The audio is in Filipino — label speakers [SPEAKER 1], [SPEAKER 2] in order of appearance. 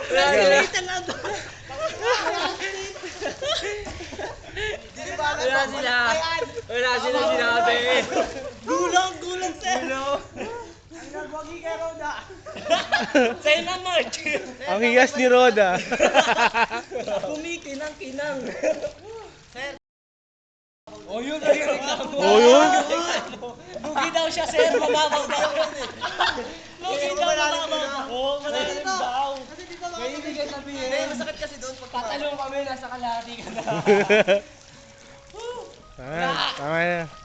[SPEAKER 1] Wala sila sinabi.
[SPEAKER 2] Gulong, sir. Ang nagwagi kay Roda. Sa'yo na, Mark.
[SPEAKER 3] Ang higas ni Roda.
[SPEAKER 2] Kumikinang-kinang. Sir.
[SPEAKER 1] O yun ang reklamo.
[SPEAKER 3] Oh, yun?
[SPEAKER 2] Lugi daw siya, sir. Mababaw daw. Lugi daw, mababaw. Oo, malalim daw.
[SPEAKER 1] May ibigay sabihin.
[SPEAKER 2] Hindi, masakit kasi doon.
[SPEAKER 1] Tatalong kami, nasa kalahati ka na.
[SPEAKER 3] Tama na.